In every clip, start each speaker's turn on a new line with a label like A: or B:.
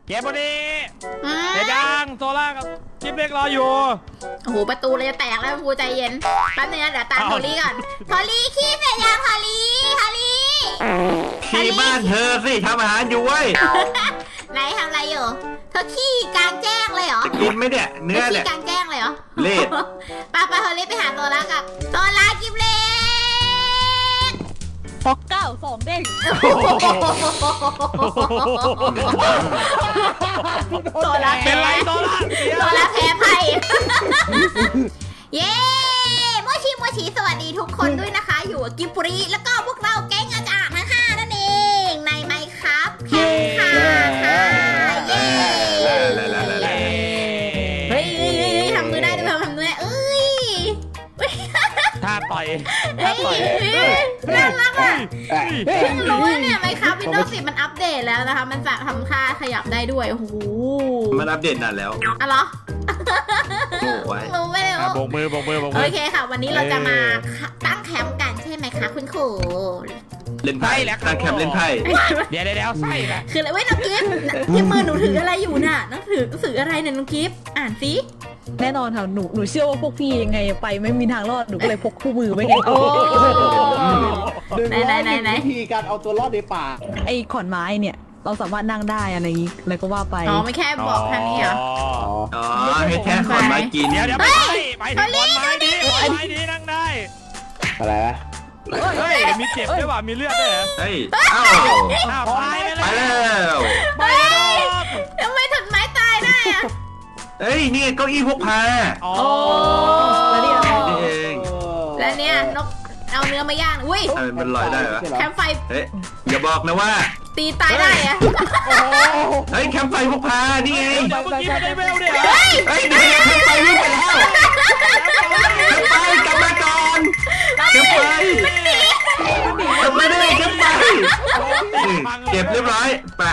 A: เก็บพอดีเดี๋ยวยังโซล่ากับจิ๊บเล็กรออยู่
B: โอ้โหประตูเลยจะแตกแล้วพูใจเย็นแป๊บนึงนะเดี๋ยวตามโทลี่ก่อนโทลี่ขี้เสร็จยังโทลี่
C: ขี้บ้านเธอสิทำอาหารอยู่เว้ย
B: ไหนทำอะไรอยู่เธอขี้กลางแจ้งเลยเหรอ
C: จะกินไหมเนี่ยเนื้อเนี่ย
B: ขี้กลางแจ้งเลยเหรอ
C: เละ
B: ไปโทลี่ไปหาโซล่ากับโซล่าจิ๊บเล็ก
D: ฟอกเก้า2 เด้ง
B: โซล่า
A: เป็นไรโซล่า
B: แพ้ไพ่เย้โมชิสวัสดีทุกคนด้วยนะคะอยู่กับกิบรีแล้วก็พวกเราแก๊งอาจารย์ทั้ง5นั่นเองในไมค์ครับแข่งขันเย้เฮ้ยทำมือได้ด้วยทำมือได้เอ้ย
A: ท่าต่อย
B: น่ารักอ่ะเพิ่งรู้ว่าเนี่ยไมค์ครับ Windows 10มันอัปเดตแล้วนะคะมันจะทำค่าขยับได้ด้วยโอ้โห
C: มันอัปเดตนานแล้ว
B: อ๋อเหรอ
C: รู้
B: ไม่ได้
A: โบกมือ
B: โอเคค่ะวันนี้เราจะมาตั้งแคมป์กันใช่ไหมคะคุณครู
C: เล่นไพ่แล้วตั้งแคมป์เล่นไพ่
A: เดี๋ยวไส้แหละ
B: คืออะไรเว้ยน้องกิฟต์ที่มือหนูถืออะไรอยู่น่ะน้องถืออะไรเนี่ยน้องกิฟต์อ่านสิ
D: แน่นอนค่ะหนูเชื่อว่าพวกพี่ยังไงไปไม่มีทางรอดหนูก็เลยพกคู่มือไว้ไงโอ้
B: ไหน
E: วิธีการเอาตัวรอดในป่า
D: ไอ้ขอนไม้เนี่ยเราสามารถนั่งได้อะไรอย่างนี้แล้วก็ว่าไป
B: อ๋อไม่แค่บอกแค่นี้เหรอ
C: อ๋อให้แค่ขอนไม้กิน
A: เดี๋ยวไปขอนไม้ดีนั่งได้
E: อะไรวะ
A: เฮ้ยมีเจ็บด้วยว่ะมีเลือดด้วย
C: เฮ้ยเอ้าไปแล้ว
B: ทำไมถึงไม้ตายได้อะ
C: เฮ้ยนี่เก้าอี้พกพา
A: อ๋อ
D: แล้วนี่
C: เอง
B: แล้วเนี่ยนกเอาเนื้อมาย่างอุ้ย
C: มันลอยได้เหรอ
B: แคมป์ไฟ
C: เฮ้ยอย่าบอกนะว่า
B: ตีตายได้อะ
C: เฮ้ยแคมป์ไฟพกพานี่ไง
A: เมื่อกี้ไม่ได้เวลเนี่ย
C: เฮ้ยเดี๋ยวแคมป์ไฟวิ่งไปแล้วแคมป์ไฟกลับมาก่อนแคมป์ไฟกลับมาได้แคมป์ไฟเก็บเรียบร้อยไป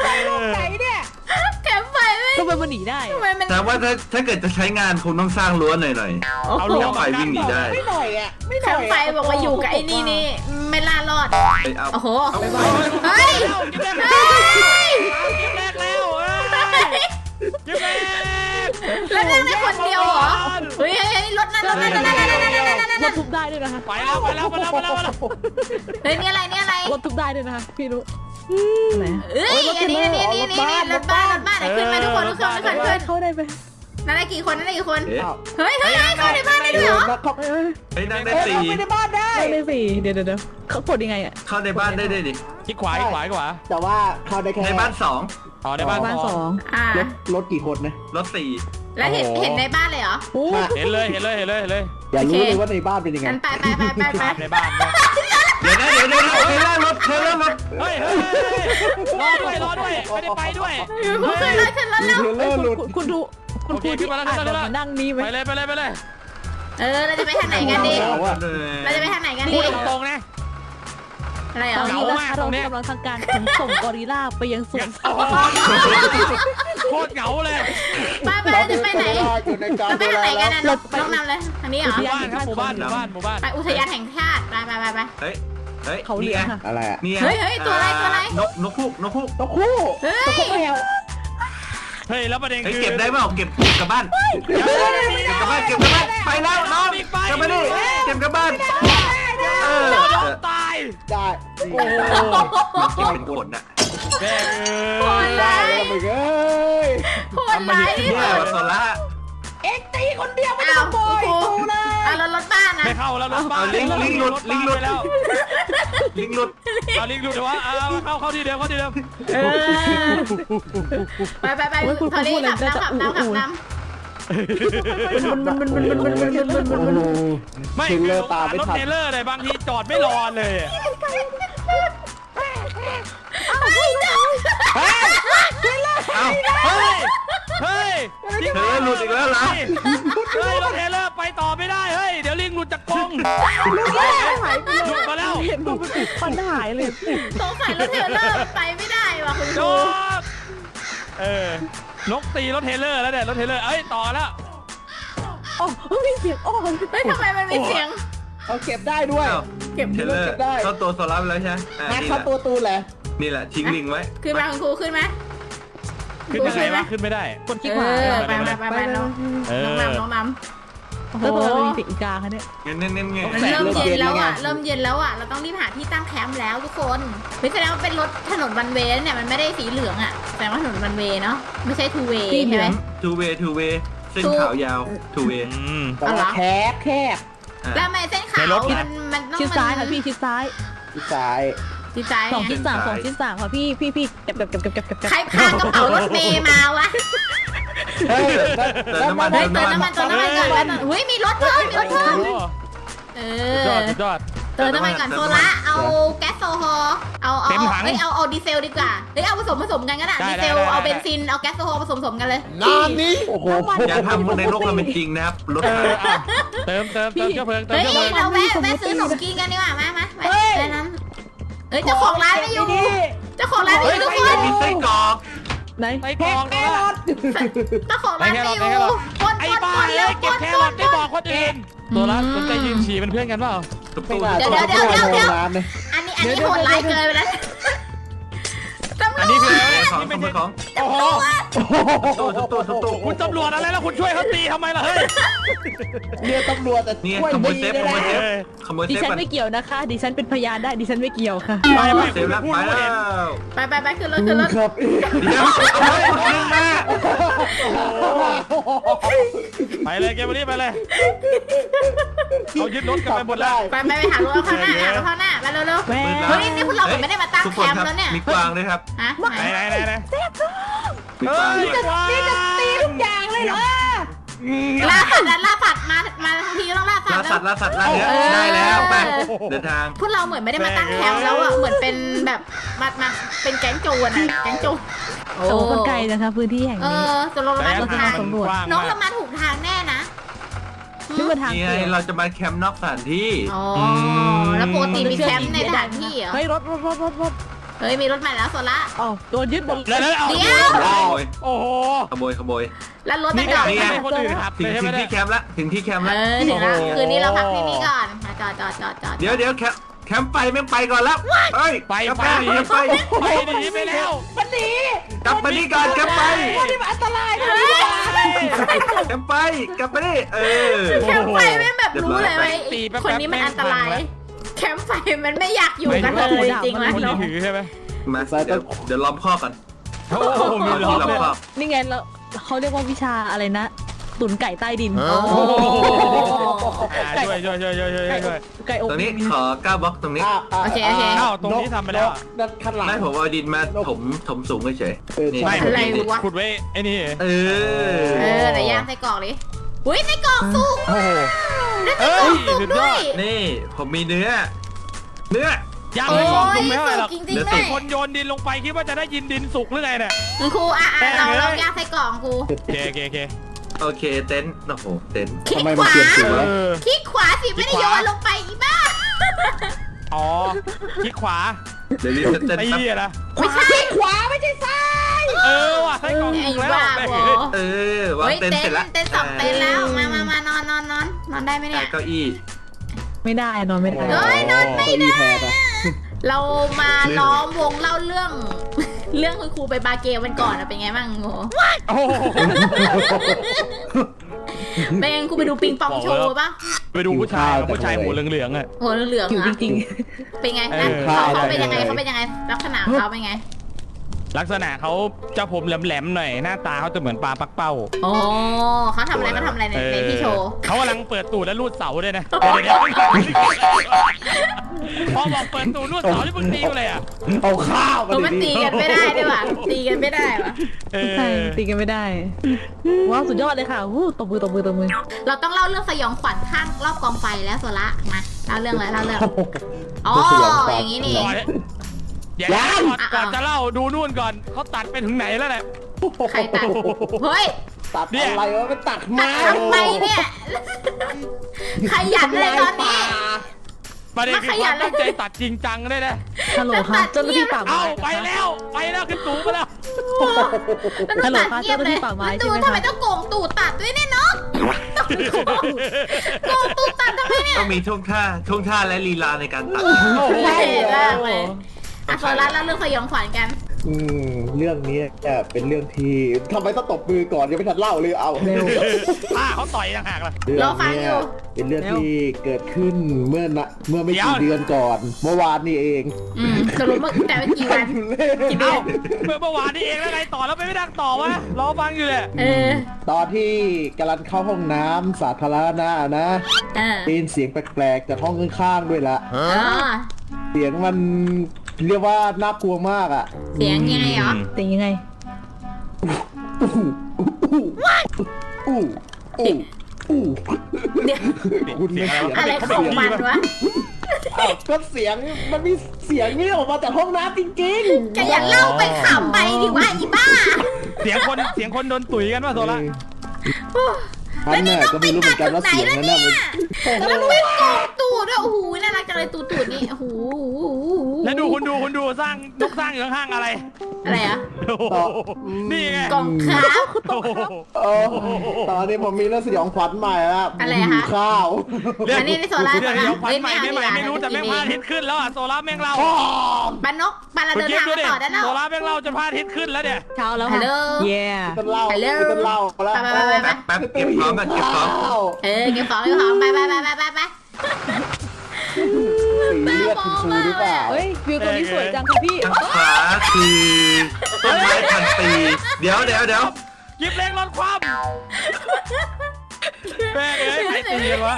B: แคมป์ไฟ
D: ก็มันหนีได้
C: แต่ว่าถ้าเกิดจะใช้งานคงต้องสร้างรั้วหน่อย
A: เอารั้ว
C: ไฟวิ่งหนีได้
E: ไม่หน่อยอ่ะ
B: แคมป์ไฟบอกว่าอยู่กับไอ้นี่ไม่ล่ารอดโอ้โหเฮ้ย
A: จิ๊บแรกแล้วจิ๊บแรก
B: แล้วนั่งได้คนเดียวเหรอเฮ้ยรถนั่น
D: รถทุบได้ด้วยนะคะ
A: ไปแล้ว
B: เฮ้ยนี่อะไร
D: รถทุบได้ด้วยนะคะพี่รู้
B: ไหนอันนี้รถบ้านขึ้นมาทุกคนขึ้น
D: เข้าได้ไหม
B: นั่นได้กี่คนเฮ้ยเข้าในบ้านได้ด้วยเหรอ
C: เฮ้ยนั่งได้4
E: เข้าในบ้านได้
D: เดี๋ยวเขากดยังไงอ่ะ
C: เข้าในบ้านได้ดิ
A: ที่ขวา
E: แต่ว่าเข้าได้แค่
C: ในบ้าน2
A: อ๋อในบ้าน
E: รถกี่คนนะ
C: รถ4
B: แล้วเห็นในบ้านเลยเหรอ
A: เห็นเลย
E: อย่ารู้เลยว่าในบ้านเป็นยังไง
B: ไป
A: ในบ้าน
C: เดี๋ยวเธอเริ่มรถ
A: เฮ้ยรอด้วยไม่ได้ไปด้วย
B: ขึ้นรถแล้ว
D: คุณดูที่มาแล้วนั่งนี้
A: ไปเลย
B: เราจะไปทางไหนกันดี
A: ตรงนะ
B: อะไรเหรอ
D: เรากำลังทำการขนส่งกอริลลาไปยังสวน
A: โคตรเหงาเลย
B: ไปจะไปไหนจะไปทางไหนกันนะน้องนำเลยทางนี้เหรอ
A: หมู่บ้าน
B: ไปอุทยานแห่งชาติไป
C: เฮ้ย
D: เขาเรียก
E: อะไรอ่ะ
C: นี่
B: เฮ้ยตัวอะไร
C: นกคู่
A: เฮ้ยแล้วประเด็นคือ
C: เก็บได้เปล่าเก็บกลับบ้านไปแล้วน้องกลับมาดิเก็บกลับบ้าน
A: ตาย
E: ได้
C: โอ้มันกินเป็นคนน่ะ
B: โหดร้าย
C: เนี่ยวัสละ
E: เอ็กตีคนเดียวไม่ต้องโบยกูเลย
B: รถบ้านนะ
A: ไม่เข้าแล้วรถบ้าน
C: ลิงหลุด
A: แล้วลิงหลุดเดี๋ยวว่าเข้าที่เดิม
B: ไปทะเลขับน้ำ
A: ไม่
E: เทเลอร์ตามไม่ทัน
A: รถเทเลอร์เลยบางทีจอดไม่รอเลยเฮ้ย
C: เธอหลุดอีกแล้วเหรอ
A: เฮ้ยรถเทเลอร์ไปต่อไม่ได้เฮ้ยเดี๋ยวลิงหลุดจากกรงหลุดมาแล้ว
D: เห็นมันปัญหาเลย
B: สงสัยรถเทเลอร์ไปไม่ได้ว่ะคุณครู
A: นกตีรถเทเลอร์แล้วเนี่ยรถเทเลอร์ต่อแล้ว
D: มีเสียง
B: ทำไมมันมีเสียง
E: เอาเก็บได้ด้วย
C: เก็บได้เข้าตัวโซล่าไปแล้วใช่ไหม
E: เข้าตัวตูนแหละ
C: นี่แหละทิ้งลิงไว้
B: ขึ้นมาคุณครูขึ้นไหม
A: ขึ้นยังไงวะขึ้นไม่ได้
D: คนคิดว่า
B: ไปน้องน้ำโอ้โห
D: แล้วตัวมันมีปีกอีกาคะเนี่ย
C: เน้น
B: เริ่มเย็นแล้วอ่ะเราต้องรีบหาที่ตั้งแคมป์แล้วทุกคนไม่แสดงว่าเป็นรถถนนวันเวย์เนี่ยมันไม่ได้สีเหลืองอ่ะแสดงว่าถนนวันเวย์เนาะไม่ใช่ทูเวย์ใช่ไหม
C: ทูเวเส้นขาวยาวทูเว
B: เอาเหรอ
E: แคบ
B: แล้วทำไมเส้นขาวมันต้อง
D: ชิดซ้ายค่ะพี่ชิดซ้าย
E: ที่ซ้าย
B: ชิดซ้าย
D: สองชิดสามค่ะพี่เก็บ
B: ใครพากระเป๋ารถเมย์มาวะ
E: เฮ้ย
C: เติมน้ำมัน
B: เติมน้ำมันก่อนอุ้ยมีรถเพิ่มเออ
A: สุดยอด
B: เติมน้ำมันก่อนโซล่าเอาแก๊สโซฮอล์เอาดีเซลดีกว่าเอาผสมกันก็ได้ดีเซลเอาเบนซินเอาแก๊สโซฮอล์ผสมกันเลย
E: น้ำนี้โอ้โห
C: อย่าทำในโลกเราเป็นจริงนะครับรถ
A: เติมเชื้อเพลิง
B: เฮ้ยเราแวะซื้อขนมกินกันดีกว่ามาแค่นั้นเฮ้ยเจ้าของร้านไม่อยู่ทุกคน
C: มีไส้กรอก
D: ไหน
A: ไอ้กองนะ
B: เจ้าของร้านไม่อยู่คน
A: ไอ้บ้าเอ้ยเก็บแครอทได้บอกคนอื่นตัวละสนใจยืนฉี่เป็นเพื่อนกันเปล่า
C: ตุ๊บตุ๊บ
B: เดี๋ยวอันนี้โหดร้ายเกินไปแล้วตำร
A: อันนี้
B: ว
A: คือ
B: จ
C: ของของ
A: โอ้โห
C: ตุ๊บ
A: คุณตำรวจอะไรแล้วคุณช่วยเขาตีทำไมล่ะเฮ้ย
E: เรียกตำรวจแต่
C: นี่
E: ช่วย
C: ขโมย
E: ดี
C: เซฟ
E: เลย
C: ขโมย
E: นะ
C: เซฟ
D: ดิ
C: ขโมยเซฟ
D: ฉัน
C: มัน
D: ไม่เกี่ยวนะคะดิฉันเป็นพยานได้ดิฉันไม่เกี่ยวค่ะ
A: ไม่
C: เซฟแล้วไปแล้ว
B: ไปขึ้นรถ
E: ครับ
C: เดี๋ยวเอาไว้ขึ้นมา
A: ไปเลยเกมนี้ไปเลยเขายึดรถกันไปหมดแล้ว
B: ไปหารถข้างหน้าไปเร็ว
D: แม่
B: เฮ้ยนี่พวกเราไม่ได้มาตั้งแคมป์แล้วเนี่ย
C: มีกวางด้วยครับ
B: ฮะ
A: ไหน
C: มีกวาง
A: นี่จะตีทุกอย่าง
E: เลยเหรอ
B: ล่าสัตว์มาทั้งทีต้องล่าสัตว์
C: ล่าสัตว์ล่าเนื้อได้แล้วไปเดินทาง
B: พวกเราเหมือนไม่ได้มาตั้งแคมป์แล้วอ่ะเหมือนเป็นแบบมาเป็นแก๊งโจรอ่ะแก๊งโจร
D: โอ้คนไกลนะคะพื้นที่แห่งนี้
B: จะลงมาถูกทาง
D: สำรวจ
B: น้องเรามาถูกทางแน่นะ
D: นี่มาทาง
C: นี่
D: เปลี่ยน
C: เราจะมาแคมป์นอกสถานที่
B: อ๋อแล้วปกติมีแคมป์ในสถานที่เหรอ
D: เฮ้ยรถ
B: เฮ้ยมีรถใหม่แล้วโซล่า
D: อ๋อโดนยึดหมด
A: แล้วเอา
B: เดี๋ยว
A: โอ้โห
C: ขโมย
B: แล้วรถ
A: นี่
B: ไปจอด
A: ไม่ให้คนอื่นขับ
C: ถึง
A: ใช่ไหม
C: ที่แคมป์ละถึงที่แคมป์ละ
B: ถึงแล้วคืนนี้เราพักที่นี่ก่อนจอด
C: เดี๋ยวแคมป์ไปไม่ไปก่อนแล้วเฮ้ย
A: ไป
C: ไปหนีไป
A: หนีไปแล้ว
E: มันหนี
C: กลับมานี่ก่อนแคมป์ไป
E: นี่มันอันตรายนะ
C: แคมป์ไปกลับมานี่
B: แคมป์ไฟไม่แบบรู้เลยว่าคนนี้มันอันตรายแคมป์ไฟมันไม่อยากอยู่กันเลยจริงไหม
A: คนที่ถือใช่ไหม
C: มาเดี๋ยวล้อมข้อกัน
A: โอ้โหมีล้อม
C: ล้อม
A: เลย
C: ข้อ
D: นี่ไงแล้วเขาเรียกว่าวิชาอะไรนะตุ๋นไก่ใต้ดิน
A: ช่วย
D: ไก่อบ
C: ตรงนี้ขอ9บล็อกตรงนี้
B: โอเค
A: อ้าวตรงนี้ทำไปแล้ว
E: ด้านข้างหลัง
C: ไม่ผมเอาดินมาถมสูงเฉยนี่
A: ไม่ขุดไว้ไอ้นี่
B: ไหนย่างไส้กรอกดิอุ้ยไส้กรอกสุก
A: โอ้โห
B: ได้ไส้กรอกสุกด้วย
C: นี่ผมมีเนื้อ
A: ยัง
B: โอ้
A: ไม่บอก
B: ย
A: ไม่เท่าไหร่หรอก
B: สุกจริงๆด้
A: ไอ้
B: วย
A: คนโยนดินลงไปคิดว่าจะได้ยินดินสุกหรือไงเนี่ย
B: ครูเราย่างไส้กรอกครู
A: โอเค
C: โอเคเต็นท์โอ้โหเต็นท์
B: คลิก
E: ทำไม
B: ข
E: มัน
B: วา
E: เปลี่ยนสีวะ
B: คลิกขวาสิไม่ได้โยนลงไปอีบ้า
A: อ๋อคลิกขวา
C: เดี๋ยวนี้เต็นท์
A: ไอ้
C: ปั๊บ
A: เหี้ยนะ
B: ไม่ใช่
E: ขวาไม่ใช่ซ้าย
A: ว่ะไส้กรอก
B: ไอ้
A: ถูกแล้ว
B: บ้าบอ
C: วาง
B: เฮ้ย
C: เต็นท์
B: เต็
C: เสร็จแล้ว
B: นท์สองเต็นท์แล้วมานอนได้ไหมเนี่ย
C: เก้าอี้
D: ไม่ได้นอนไม่ได้
B: เฮ้ยนอนไม่ได้
E: แทนอะ
B: เรามาล้อมวงเล่าเรื่อง คุณครูไปบาเกลวันก่อนเป็นไงบ้างโง่
A: โอ้โห
B: เป็นไงครูไปดูปิงปองโชว์ป่ะ
A: ไปดูผู้ชายหัวเหลืองๆอ่ะ
B: โหเหลือง
D: อยู่
B: ๆ
D: จ
B: อ่ะ
D: ริง
B: เป็นไงนะเขาเป็นยังไงลักษณะเขาเป็นไง
A: ลักษณะเขาเจ้าผมแหลมๆหน่อยหน้าตาเขาจะเหมือนปลาปักเป้า
B: โอ้เขาทำอะไรในที่โชว์
A: เขากำลังเปิดตูดและรูดเสาด้วยนะพอบอกเปิดตูดรูดเสาที่มึงตีกูเลยอ่ะ
E: เอาข้าวมา
B: มันตีกันไม่ได้ด้วยว่ะตีกันไม่ได้ว่ะ
D: ๆใช่ตีกันไม่ได้ว้าวสุดยอดเลยค่ะวู้ตบมือ
B: เราต้องเล่าเรื่องสยองขวัญข้างรอบกองไฟแล้วโซละมาเล่าเรื่องอ๋ออย่างนี้นี่
A: เดี๋ยวก่อนจะเล่าดูนู่นก่อนเขาตัดไปถึงไหนแล้วเนี่ย
B: ใครตัดเฮ้ย
E: ตัดอะไรวะมันตัด
B: ตั
E: ไม้
B: ดทำไมเนี่ยขยันเลยตอนนี้
A: ประเด็นคือความตั้งใจตัดจริงจังเลยนะ
D: ฮัลโหลค่ะเจ้าหน้าที่ป่าไม้
A: เอาไปแล้วขึ้นสูงไปแล้ว
B: แล้วต้องตัดเงียบเลยตูทำไมต้องโกงตูตัดด้วยเนี่ยเนาะโกงตูตัดทำไมเนี่ย
C: ต้องมีท่วงท่าและลีลาในการตัด
B: เท่มากเลยโซล่าเล่าเรื่องสยองขวัญกัน
E: เรื่องนี้เนี่ยเป็นเรื่องที่ทำไมต้องตบมือก่อนยังไม่ทันเล่าเลยเอาเร็ว
A: ป้าเขาต่อยต่างหากล่ะ
B: รอฟังอยู่
E: เป็นเรื่องที่เกิดขึ้นเมื่อไม่กี่เดือนก่อน เมื่อวานนี่เอง
B: สรุปเมื่อแต่ไม่กี่วันกี่เดื
A: เอ้า
B: อน
A: เมื่อวานนี้เองแล้วไงต่อแล้วไม่ดังต่อวะรอฟังอยู่เลย
E: ตอนที่กำลังเข้าห้องน้ำสาธารณะนะ ได้ยินเสียงแปลกๆจากห้องข้างๆด้วยละ เสียงมันเรียกว่าน่ากลัวมากอ่ะ
B: เสียงยังไงเหรอ
D: แต่ยังไง
B: เดี๋ยว
E: คุณไม่เสียง
B: อะไรของมันวะ
E: อ้าวก็เสียงมันมีเสียงนี่ออกมาจากห้องน้ำจริงๆ
B: จะอย่าเล่าไปขำไปดิว่าอีบ้า
A: เสียงคนโดนตุ๋ยกันว่าโซล่า
E: ท่านน่ะก็ไม่รู้เหมือนกันว่าเสียงนั้นน่ะมัน
B: แล้วมันเป็นตูดด้วยโอ้โหน่ารักจังเลยตูดนี่โอ้โห
A: แล้วดูคุณดูสร้างนกสร้างอยู่ข้างๆอะไร
B: อะไรอ่ะ
A: โอ้โหนี่ไง
B: กล่องครับ
A: โอ้โห
E: ตอนนี้ผมมีเรื่องสยองขวัญใหม่แล้ว
B: อะไรคะ
E: หิวข้าว
B: อันนี้ในโซล่า
A: เดี๋ยวขวัญใหม่ไม่รู้แต่แม่งพลาดทิศขึ้นแล้วอ่ะโซล่าแม่งเล่า
B: ปานกปานเราเดินทางมาต่อได้แล้ว
A: โซล่าแม่งเล่าจะพลาดทิศขึ้นแล้วเนี่ย
D: เช้าแล้ว
B: ฮั
D: ค่ะ
B: ลโหล
D: เย่
E: ต้นเล่า
B: ฮัลโหล
E: ต้นเล่าแล้ว
C: แป๊บเก็บของก่อนเก็บของ
B: เก็บของไป
E: สี
B: ไป
E: เลือดคุณครูหรือเปล่า
D: เฮ้ยวิวตัวนี้สวยจังค่ะพี่
C: ทางขวาคือต้นไม้พันปีเดี๋ยว
A: ยิบเล็กรถคว่ำแม่งเอ้ยใครตีกันวะ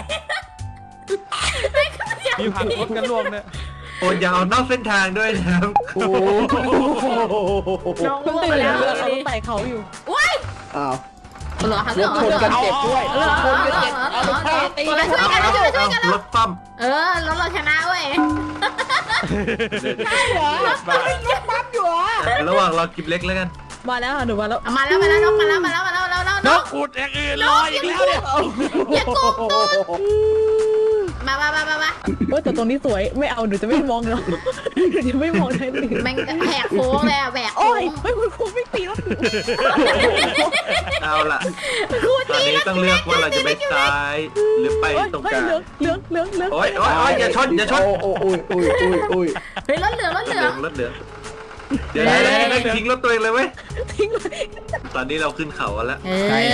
A: มีผักรถกันรวมเนี่ย
C: โอ้ยอย่าเอานอกเส้นทางด้วยนะครับ
E: โอ้โห
B: น้อง
D: มัน
B: รู้
D: ตื่
B: ไป
D: น
B: แล้
D: แล้ว วเราต้องไต่เขาอยู่
B: ว้าย
E: อ้าว
B: เหรอคะเหร
E: ร
B: อ
E: ถชนกันเจ็บด้วยรถชนกันเจ็บเอาไปฆ่าตี
B: ช่วยกันช่วยกัน
C: รถปั้ม
B: รถเราชนะเว้ย
E: ใช่เหรอรถปั๊มอยู่เหรอ
C: ระหว่างรอกิบเล็กแล้วกัน
D: มาแล้วค่ะหนูมาแล้ว
B: มาแล้วนกมาแล้ว
A: นกขุดอย่างอื่นรออีกแล้วเนี่ย
B: อย่าโกงตูดมา
D: เฮ้ยแต่ตรงนี้สวยไม่เอาหนูจะไม่มองหรอกหนูจะไม่มองเลยหนู
B: แม่งแหกโค้งเลยแหวก
D: โอ้ยเฮ้ยคุณครูไม่ตีแล้ว
C: เอาล่ะตอนนี้ต้องเลือกว่าเราจะไปซ้ายหรือไปตรงกลาง
D: เลือก
C: โอ้ยอย่าชน
E: โอ้ย
B: เฮ้ยรถเหลือง
C: รถเหลืองเดี๋ยวทิ้งรถตัวเองเลยเว้ย
D: ทิ้งเลย
C: ตอนนี้เราขึ้นเขาแล้ว
A: ใช่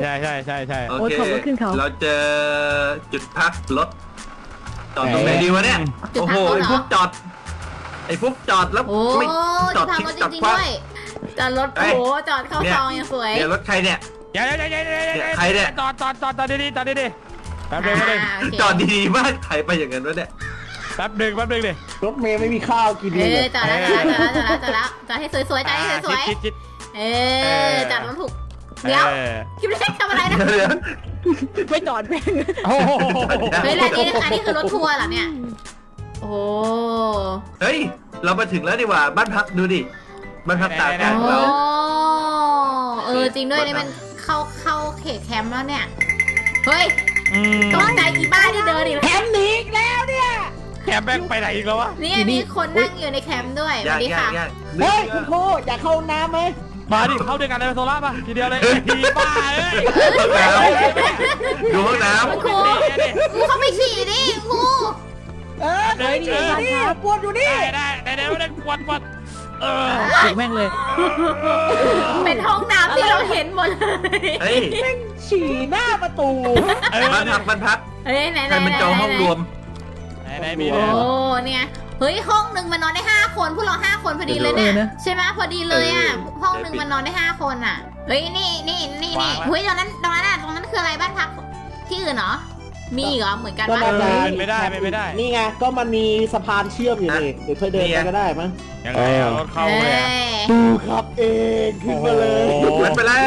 C: โอเคเราเจอจุดพักรถจอดตรงไหนดีวะเนี่ยโอ้โหไอ้พวกจอดแล้ว
B: โอ้
C: ไม่จ
B: จะ
C: อด
B: พัง
C: ทิ้ง
B: รถ
C: จอด
B: จริง
C: คว้า
B: ด้วยจอดรถโอ้จอดเข้าซองยังสวย
C: เนี่ยรถใครเนี่ย
A: เดี๋ยวจอดดีแป๊บนึง
C: จอดดีๆมากใครไปอย่างนั้นวะเนี่ย
A: แป๊บนึงดิ
E: รถเมย์ไม่มีข้าวกินเลย
B: จอดแล้วจอดให้สวยๆจอดให้สวย
A: จิต
B: ๆจอดรถถูกเดี๋ยวคิดว่าทำอะไรนะ
D: ไม่จอดแม่ง
A: โอ้โห
B: เฮ้ยแล้วนี่คือรถทัวร์เหรอเนี่ยโอ้
C: เฮ้ยเรามาถึงแล้วดีกว่าบ้านพักดูดิบ้านพักตากอากาศของเรา
B: จริงด้วยนี่มันเข้าเขตแคมป์แล้วเนี่ยเฮ้ยตกใจอีบ้าที่เดินอีก
E: แถมหนีอีกแล้วเนี่ย
A: แคมแบงไปไหนอีกแล้ววะ
B: นี่มีคนนั่งอยู่ในแคมป์ด้วยสวัสดีค่ะ
E: เฮ้ยคุณครูอยากเข้าน้ำไหม
A: มาดิเข้าด้วยกันเลยโซล่าป่ะทีเดียวเลยทีบ้าเอ้ย
C: ดูห้องน้
B: ครูเขาไปฉี่ดิครู
E: เดี๋ยวนี่ปวดอยู่นี่
A: ได้กวน
D: ถูกแม่งเลย
B: เป็นห้องน้ำที่เราเห็นหมดเลย
C: ำเฮ้ย
E: แม่งฉี่หน้าประตู
C: บ้านพัก
B: เฮ้ยไหน
C: ใครมันจองห้องรวม
A: ไหนมี
B: โอ้เนี่ยเฮ้ยห้องหนึ่งมันนอนได้5 คนพวกเรา5 คนพอดีเลยเนี่ยใช่ไหมพอดีเลยอ่ะห้องหนึ่งมันนอนได้5 คนอ่ะเฮ้ยนี่เฮ้ยตรงนั้นคืออะไรบ้านพักที่อื่นเหรอมีเหรอเหมือนกันปะ
A: เป็นไม่ได้
E: นี่ไงก็มันมีสะพานเชื่อมอยู่นี่เดี๋ยวค่อยเดินไปก็ได้มั้ง
A: ยังไงรถเข้าเลย
E: ดูครับเองขึ้นมาเลย
C: มันไปแล้ว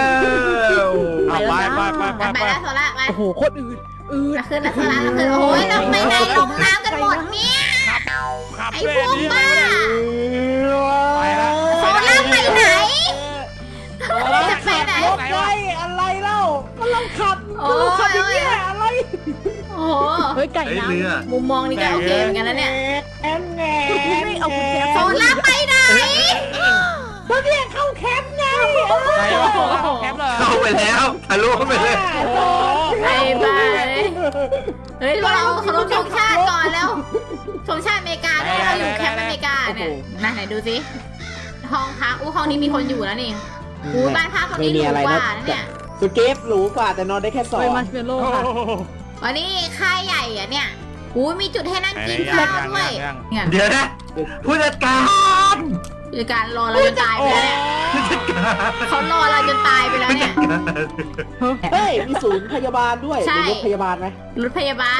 B: ไปแล้วโซล่าไป
D: โอ้โหโคตรอืด
B: ขึ้นโอ้ยเราไปไหนลงน้ำกันหมดเนี่ย
A: ขับ
B: ไอ้
A: ด้วย
B: พวก
A: นี่
B: บ้า
A: ไปแล้ว
B: โซล่าไปไหน
E: จะไปไหนรถไฟอะไรเล่าก็เราขับอย่างเงี้ยอะไร
B: โอ้โห
D: เฮ้ยไก่
C: เฮ้ย
D: น้ำ
C: เรือ
B: มุมมองนี่ก็โอเคเหมือนกันแล้วเนี่ย
E: แง่
D: ไม่เอากุญแจ
B: โซล่าไปไหน
E: ก็เนี่ยเข้าแคมป์ไง
A: ไปแล้วแคปเลย
C: เข้าไปแล้วทะลุไปเลย
B: ไปเฮ้ยเราเคารพธงชาติก่อนแล้วธงชาติอเมริกาด้วยเราอยู่แคมป์อเมริกาเนี่ยไหนดูสิห้องพักห้องนี้มีคนอยู่แล้วนี่บ้านพักตรงนี้หรูกว่าเนี่ย
E: สเกฟหรูกว่าแต่นอนได้แค่2
D: ไปมาร์ชเมลโล่ค่ะ
B: วันนี้ค่ายใหญ่อะเนี่ยมีจุดให้นั่งกินข้าวด้วยเนี่ย
C: เดี๋ยวนะผู้จัดการ
B: คือการรอเราจนตายไปแล้วเนี่ยเขารอเราจนตายไปแล้วเนี่ย
E: เฮ้ยมีศูนย์พยาบาลด้วย
B: ใช่
E: มีรถพยาบาลไหม
B: รถพยาบาล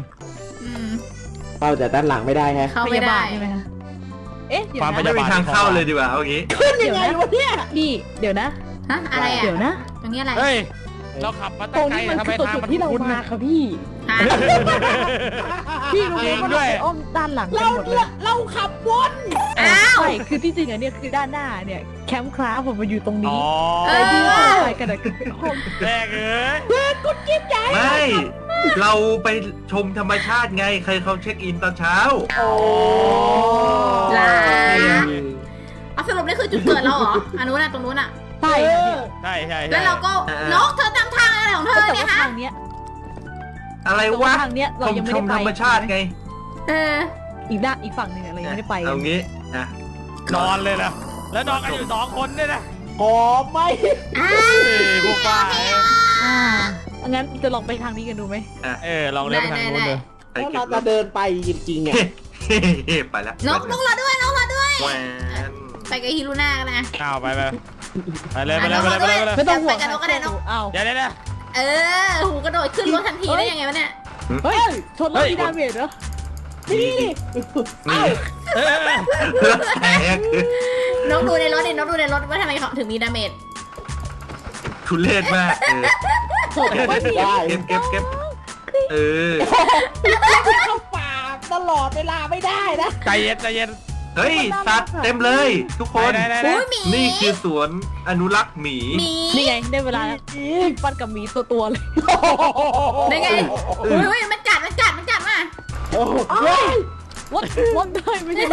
E: เราแต่ด้านหลังไม่ได้ฮะ
B: เข้าไม่ได้
D: ใช่ไหมคะเอ๊ะเดี๋ยว
C: ไม่
D: นะ
C: มีทางเข้าเลยดีกว่าเอางี้
E: ขึ้นยังไงวะเนี่ย
D: พี่เดี๋ยวนะ
B: ฮะอะไรอ่ะ
D: เดี๋ยวนะ
B: ตรงนี้อะไร
A: เฮ้ยเราขับมา
D: ต
A: ตั้
D: รง ง
A: ไกล
D: นี้มัน
A: ทำไม
D: คือตัว
A: ทาง
D: จุด
A: มัน
D: ที่เรา
A: คุ้น
D: มา
A: นะ
D: ค่ะพี่
B: ฮะ
D: พี่รู้ไหมว่า
A: ด้
D: เรา
A: วย
D: ไปอ้อมด้านหลังกันหมดเลย
E: เราขับวน
B: อ้าว
D: ใช่คือที่จริงอันเนี้ยคือด้านหน้าเนี่ยแคมป์คราฟผมมาอยู่ตรง
A: อ๋
D: นี้
A: อ
D: แต่ที่เราไปกันอะคือเป็นห้อง
A: แรกเอ้ย
C: ไม่เราไปชมธรรมชาติไงใครเขาเช็คอินตอนเช้า
E: โอ้
B: ลาเอาสรุปนี่คือจุดเกิดเราเหรออันนู้นน่ะตรงนู้นน่ะ
D: ใช่ค่ะพี่
A: ใช่ใช่
B: แล้วเราก็นกเธอตามทางอะไรของเธอ
D: แต่
B: เนี่ย
D: ว่า
B: ฮะ
D: ทางเนี้ย
C: อะไร
D: แต่
C: วะ
D: ว่าทางเนี้ยเรา
C: ชม
D: ยังไม่
C: ช
D: ได้
C: ม
D: ไป
C: ธรรมชาติไง
B: เออ
D: อีกด้านอีกฝั่งหนึ่งอะเรายังไม่ได้ไป
C: เอางี้อ่ะ
A: นอนเลยนะแล้วนอนกันอยู่2 คนเนี่ยนะ
E: หอมไหม
B: อ้า
A: เฮ้ยพวกป้า
D: อ่างั้นจะลองไปทางนี้กันดูไหม
A: ลองเล่นไปทางนู้นเลย
C: ไป
E: แล้ว
C: เก็
E: เรา
C: บ
E: จะเดินไปจริงๆอ่ะ
C: ไปแล้ว
B: นกเราด้วยนกเราด้วย
C: แหวน
B: ไปกับฮิรุน่ากันนะ
A: อ้าวไปเลยไปเลยไปเลยไปเลย
D: ไม่ต้องห่วง
B: ไปกับนกก็ได้นก
D: อ้าว
A: เดี๋ยว
B: เออหูกระโดดขึ้นรถทันทีได้ยังไงวะเนี่ย
D: เฮ้ยชนรถที่ดาเมจเหรอ
E: นี่
C: นี่
A: เออ
C: แล้วแตก
B: นกดูในรถดินกดูในรถว่าทำไมเขาถึงมีดาเมจ
C: ทุเรศมาก
E: ไม่ได้
C: เก็บเออ
E: เข้าป่าตลอดเวลาไม่ได้นะ
A: ใจเย็นใจเย็น
C: เฮ้ยสัตว์เต็มเลยทุกคน
B: อุ้ยหมี
C: นี่คือสวนอนุรักษ์หมี
B: หมี
D: นี่ไงได้เวลาแล้วปั้นกับหมีตัวเลย
B: ได้ไงอุ้ยมันกัดมา
E: โอ้โห
D: วันได้ไม่ใช่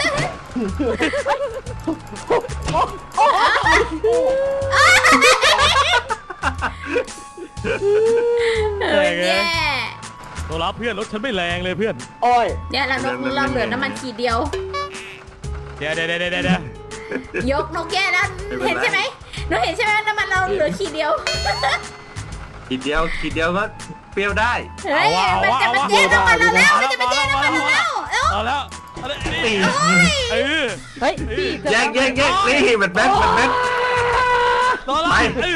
B: แย่
A: ตัวรับเพื่อนรถฉันไม่แรงเลยเพื่อน
E: โอ้ย
B: เนี่ยแล้วนกเราเหลือน้ำมันขีดเดียว
A: เดี๋ยวย
B: กนกแย่แล้วเห็นใช่ไหมนกเห็นใช่ไหมน้ำมันเราเหลือขีดเดียว
C: ขีดเดียวก็เปรี้ยวได้
B: เฮ้ยมันจะมาแย่น้ำมันเราแล้วมันจะมาแย่น้ำมันเราแล้วเอ้า
A: เอาแล้ว
C: ตี
A: เออ
D: เฮ้ยพี่
C: แยกนี่มันแบ๊ก
A: ตัวรับ
C: ไป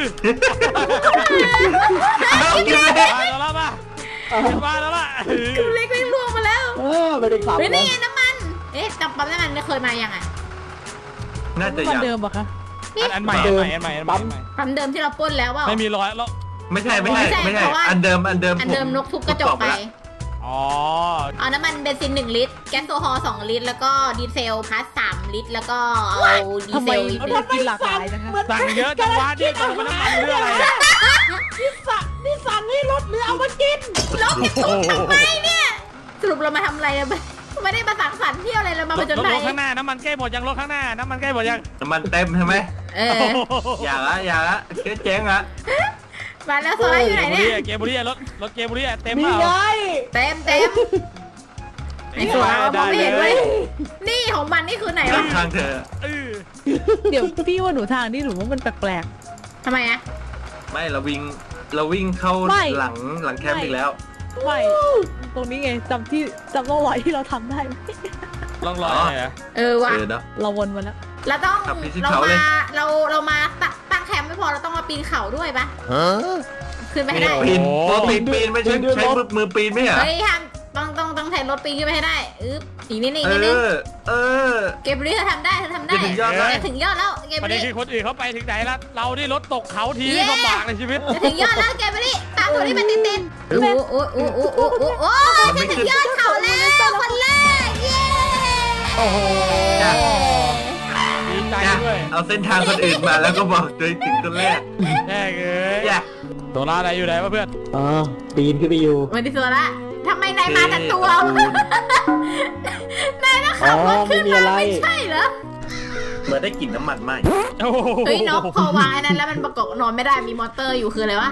C: เอากินเลย
A: ตัวรับมาแล้วล่ะ
B: เล็กล่วงมาแล้ว
E: ไม่ได้ขับ
B: เฮ้ย
E: นะ
B: นี่ไงน้ำมันจับปั๊มน้ำมันเคยมายังอ่ะ
C: น่าจะ
D: มัน
C: ยัง
D: เดิมปะคะ
A: อันใหม่
B: ปั๊มเดิมที่เราปล้นแล้วเปล่า
A: ไม่มีรอยแล้ว
C: ไม่ใช่อันเดิม
B: อันเดิมนกทุบกระจกไป
A: อ๋อ
B: เอาน้ำมันเบนซิน1 ลิตรแก๊สโซฮอล์2 ลิตรแล้วก็ดีเซลพลัส3 ลิตรแล้วก็เอาดี
D: ทำ
B: เซ
D: ไม
B: ลอีก
D: เรากินหลากหลายนะคะ
A: สั่งเยอะจังวะนี่สั่งมาน้ำมันเรื่องอะไร
E: นี่สั่งให้รถหรือเอามากิน
B: รถจะทุบทำไมเนี่ยสรุปเรามาทำอะไรไม่ได้มาสังสรรค์เที่ยวอะไรเรามาผจญภัย
A: รถข้างหน้าน้ำมันใกล้หมดยังรถข้างหน้าน้ำมันใกล้หมดยัง
C: น้ำมันเต็มใช่ไหม
B: เออ
C: อย่าละเจ๊งละ
B: มาแล้วโซล่าอยู่ไหนเนี่ย
A: เกมบุรีรถเกมบุรีเต็ม
E: นี่
A: เปล่า
E: ไง
B: เต็มไอ้โซล่ามองไม่เห็นเลยนี่ของมันนี่คือไหนวะ
C: ทางเธอ
D: เดี๋ยวพี่ว่าหนูทางนี่หนูว่ามันแปลก
B: ทำไมอะ
C: ไม่เราวิ่งเข้าหลังแคมป์อีกแล้ว
D: ๆไม่ตรงนี้ไงจำร่องรอยที่เราทำได้ไหม
A: ลองรอยหน่อย
B: เออว่ะ
C: เนาะ
D: เราวนมาแล้ว
B: เราต้อง
C: ขับไปที่
B: เรา
C: เขาเลย
B: มาเรามาตั้งแคมป์ไม่พอเราต้องมาปีนเขาด้วยปะขึ้นไปให้ได้
C: ปีนไม่ใช่ใช้มือปีนไม่เหรอ
B: เฮ้ยทำต้องใช้รถปีนขึ้นไปให้ได้อีกนิดนึง
C: เออ
B: เกมนี้เธอทำได้จะถึงยอดแล้วเกม
A: ประเด็น
B: นี้
A: คือคนอื่นเขาไปถึงไหนแล้วเรานี่รถตกเขาทีนี่ลำบากในชีวิต
B: จะถึงยอดแล้วเกมนี้ตามตัวนี้มันติดโอ้จะถึงยอดเขาแล้วคนแรกเย้
A: โอ้โหดีใจด้วย
C: เอาเส้นทางคนอื่นมาแล้วก็บอกโดยถึงคนแรก
A: แย่เอ้ย
C: อย่า
A: ตัวร้านอะไรอยู่ไหนวะเพื่อน
E: ปีนขึ้นไปอยู่
B: วันที่สุดละทำไมนายมาแต่ตัวนายก็ขับรถขึ้นมาไม่ใช่เหรอ
C: เหมือนได้กลิ่นน้ำมันไหม
B: เฮ้ยนกพอวางไอ้นั้นแล้วมันประกอบนอนไม่ได้มีมอเตอร์อยู่คืออะไรวะ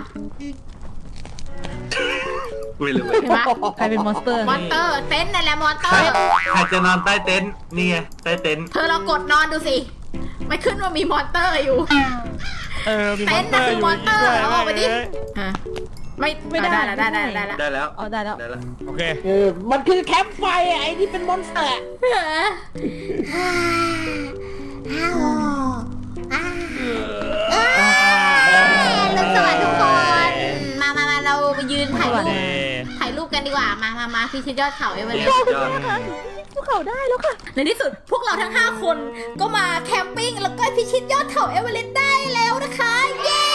C: ไม่รู้
B: เห็นปะ
D: ใครเป็นมอนสเตอร์
B: มอเตอร์เต็นท์นั่นแหละมอเตอ
C: ใคร
B: ร์
C: จะนอนใต้เต็นท์นี่ไงใต้เต็นท์
B: เธอเรากดนอนดูสิไม่ขึ้นว่ามีมอนเตอร์อยู่
A: มีมอนเตอร์อยู่
B: มอนเตอร์เอาออกไปดิไม่ได้แล้ว
C: ได้แล้ว
D: เอาได้แล้ว
C: ได้แล้ว
A: โอเค
E: มันคือแคมป์ไฟไอ้นี่เป็นมอนสเตอร์
B: ลุงสวัสดีทุกคนมาเราไปยืนถ่ายรูปกันดีกว่ามาพิชิตยอดเขาเอเวอเรสต์
C: ยอด
D: พวกเขาได้แล้วค่ะ
B: ในที่สุดพวกเราทั้ง5คนก็มาแคมปิ้งแล้วก็พิชิตยอดเขาเอเวอเรสต์ได้แล้วนะคะเย้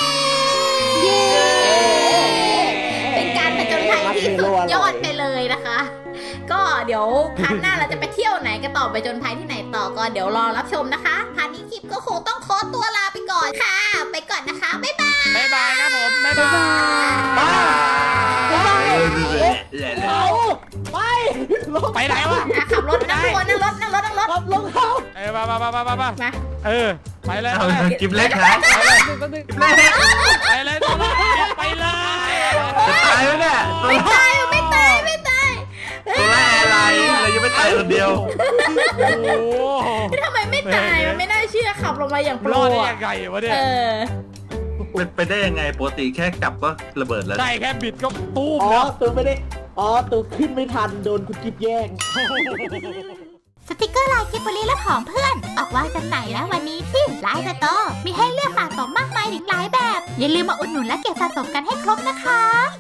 B: เป็นการผจญภัยที่สุดยอดไปเลยนะคะ ก็เดี๋ยวพาร์ทหน้าเราจะไปเที่ยวไหนกันต่อไปจนภัยที่ไหนต่อก็เดี๋ยวรอรับชมนะคะพาร์ทนี้คลิปก็คงต้องขอตัวลาไปก่อนค่ะ ไปก่อนนะคะบ๊ายบาย
A: บ๊ายบายครับผมบ๊ายบาย ไปไหนวะ
B: ขับรถนั่งรถนั่งรถ
E: ขับลงเขา
A: มา
B: มา
A: ไปเลย
C: เอากิบเล็กครับกิบเล็ก
A: ไปเลยตัวละไปเลย
C: จะตายไหมเนี่ยตัว
B: ไม่
C: ละ
B: ตายไม่ตาย
C: ตัวละอะไรเรายังไม่ตายคนเดียว
A: โอ้โห
B: ทำไมไม่ตายมันไม่น่าเชื่อขับลงมาอย่างโปร
A: รอดได้
B: อะ
A: ยังไงวะเนี่ย
C: เป็นไปได้ยังไงปกติแค่กลับก็ระเบิดแล้ว
A: ได้แค่บิดก็ตู้ม
E: อ๋อ
A: แล้ว
E: ตัวไม่ได้ตัวขึ้นไม่ทันโดนคุณกิฟแย่ง
B: สติกเกอร์ลายกิบบลีและของเพื่อนออกวางจำหน่ายแล้ววันนี้ที่ไลน์สโตร์มีให้เลือกสะสมมากมายถึงหลายแบบ อย่าลืมมาอุดหนุนและเก็บสะสมกันให้ครบนะคะ